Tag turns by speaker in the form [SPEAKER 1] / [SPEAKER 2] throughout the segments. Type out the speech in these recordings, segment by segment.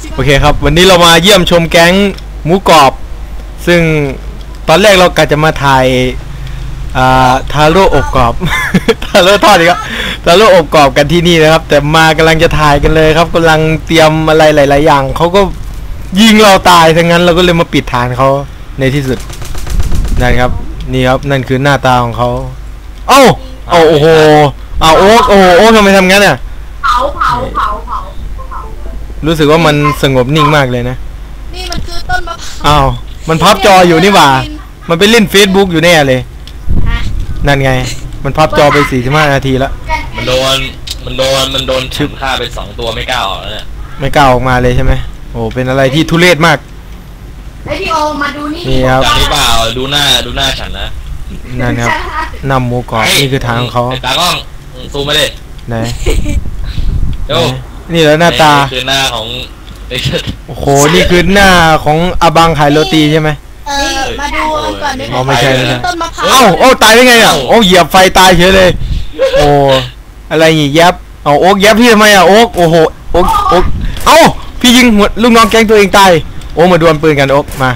[SPEAKER 1] โอเคครับวันนี้เรามาเยี่ยมชมแก๊งหมูกรอบซึ่งตอนแรกเรากะจะมาถ่ายทาโร่อบกรอบ ทาโร่ทอดอีกครับทาโร่อบกรอบกันที่นี่นะครับแต่มากำลังจะถ่ายกันเลยครับกำลังเตรียมอะไรหลายๆอย่างเขาก็ยิงเราตายทั้งนั้นเราก็เลยมาปิดฐานเขาในที่สุดนั่นครับนี่ครับนั่นคือหน้าตาของเขาโอ้โหโอ๊กโอ้ทำไมทำงั้นอ่ะ
[SPEAKER 2] เผา
[SPEAKER 1] รู้สึกว่ามันสงบนิ่งมากเลยนะ
[SPEAKER 2] นี่มันคือต้นมะพร้าว
[SPEAKER 1] มันพับจออยู่นี่หว่ามันไปเล่น Facebook อยู่แน่เลยนั่นไงมันพับจอไป45 นาทีแล้ว
[SPEAKER 3] มันโดนชึบฆ่าไป2 ตัวไม่กล้าออกแล้วเนี่ย
[SPEAKER 1] ไม่กล้าออกมาเลยใช่ไหมโอ้เป็นอะไรที่ทุเรศมาก
[SPEAKER 2] ไอพี่โอมาดู
[SPEAKER 1] นี่ครับ
[SPEAKER 3] จากนี้เปล่าดูหน้าฉันนะ
[SPEAKER 1] นั่นครับนำหมูกรอบนี่คือทางของเขา
[SPEAKER 3] ตากล้องซูมมาดิ
[SPEAKER 1] ไหน
[SPEAKER 3] ดู
[SPEAKER 1] นี่แล้วหน้าตา
[SPEAKER 3] คือหน้าของ
[SPEAKER 1] โอ้โหนี่คือหน้าของอาบังขายโรตีใช่ไหม
[SPEAKER 2] มาดูกันก่อนดิ
[SPEAKER 1] ไม่ใช่
[SPEAKER 2] ต้นมะพร้าว
[SPEAKER 1] โอ้ตายได้ไงอ่ะโอ้เหยียบไฟตายเฉยเลยโอ้อะไรนี่ยับโอ๊กยับพี่ทำไมอ่ะโอ๊กโอ้โหโอ๊กพี่ยิงหัวลูกน้องแก๊งตัวเองตายโอ้มาดวลปืนกันโอ๊กมา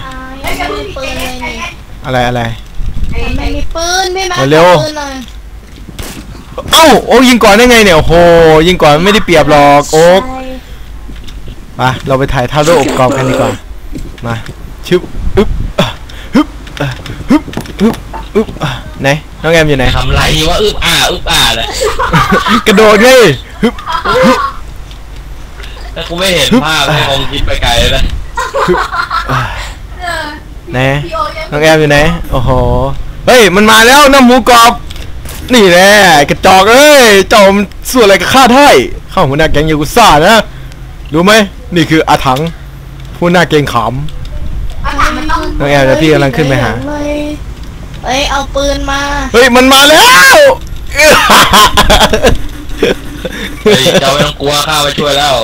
[SPEAKER 1] อะไร
[SPEAKER 2] ไม่มีปืนไม่มา
[SPEAKER 1] เร็วโอ๊กยิงก่อนได้ไงเนี่ยโอ้โหยิงก่อนไม่ได้เปรียบหรอกโอ๊กมาเราไปถ่ายท่าโร่อบกรอบกันดีกว่ามาชึบอึ๊บไหนน้องแอมอยู่ไหน
[SPEAKER 3] ทำไรวะอึ๊บอ่าเลย
[SPEAKER 1] กระโดดเลย
[SPEAKER 3] แต่กูไม่เห็นภาพไม่คงคิดไปไกลเลย
[SPEAKER 1] ไหนน้องแอมอยู่ไหนโอ้โหเฮ้ยมันมาแล้วน้ำหมูกรอบนี่แหละกระจอกเอ้ยเจ้ามันส่วนอะไรกับข้าไทยข้าหัวหน้าแก๊งยากุซ่านะรู้ไหมนี่คืออาถังผู้หน้าเกรงขามน้องแอมเดี๋ยวพี่กำลังขึ้นไปหา
[SPEAKER 2] เฮ้ยเอาปืนมา
[SPEAKER 1] เฮ้ยมันมาแล้ว
[SPEAKER 3] เจ้าไม่ต้องกลัวข้าไปช่วยแล้ว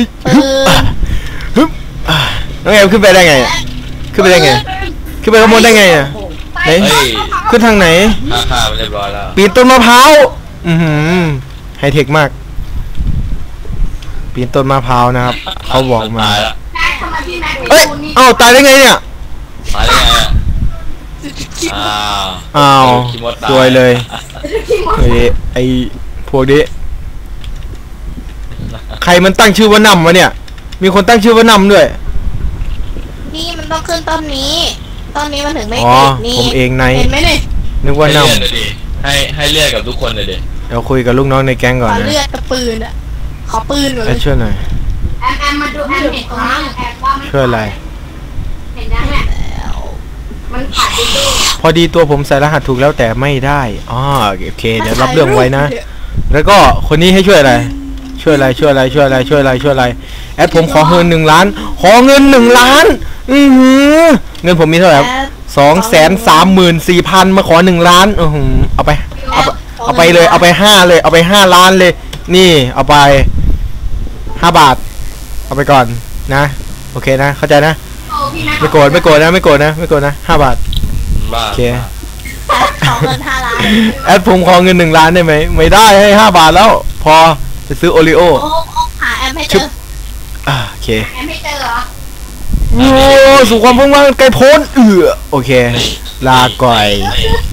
[SPEAKER 1] น้องแอมขึ้นไปได้ไงขึ้นไปข้างบนได้ไงอ่ะไหนขึ้นทางไหน
[SPEAKER 3] ข้าเรียบร้อยแล้ว
[SPEAKER 1] ปีนต้นมะพร้าวไฮเทคมากปีนต้นมะพร้าวนะครับเขาบอกมาเอ้ยตายได้ไงเนี่ย
[SPEAKER 3] ตายได้ไง
[SPEAKER 1] สวยเลยไอพวกนี้ใครมันตั้งชื่อว่านำวะเนี่ยมีคนตั้งชื่อว่านำด้วย
[SPEAKER 2] นี่มันต้องขึ้นต้นนี้มันถึงไม่ติดนี่
[SPEAKER 1] ผมเองเ
[SPEAKER 2] ห็นไหมเนี่ย
[SPEAKER 1] นึกว่านำ
[SPEAKER 3] ให้เลือดกับทุกคนเลยดิ
[SPEAKER 1] เดี๋ยวคุยกับลูกน้องในแก๊งก่อนนะ
[SPEAKER 2] เลือดกับปืนอ่ะขอปืนก่อน
[SPEAKER 1] ช่วยหน่อย
[SPEAKER 2] แอมมาดูแอมเห็นตรงนี้แอมว่าไม่
[SPEAKER 1] ช่วยอะไร
[SPEAKER 2] เห็นยังไงมันขาดไปด้วย
[SPEAKER 1] พอดีตัวผมใส่รหัสถูกแล้วแต่ไม่ได้โอเคเดี๋ยวรับเรื่องไว้นะแล้วก็คนนี้ให้ช่วยอะไรแอดผมขอเงิน1 ล้านขอเงิน1 ล้านเงินผมมีเท่าไหร่234,000มาขอ1 ล้านเอาไปเลยเอาไป5เลยเอาไป5 ล้านเลยนี่เอาไป5 บาทเอาไปก่อนนะโอเคนะเข้าใจนะไม่โกรธนะ5 บาทโอเค
[SPEAKER 2] ขอเงิน5 ล้าน
[SPEAKER 1] แอดผมขอเงิน1 ล้านได้ไหมไม่ได้ให้5 บาทแล้วพอจะซื้อโอริโอ
[SPEAKER 2] หาแอมให้เจอ
[SPEAKER 1] โอเค
[SPEAKER 2] แอมให้เจอเหรอ
[SPEAKER 1] โอ้สู่ความพุ่งมั่นไกลโพ้นโอเคลาก่อย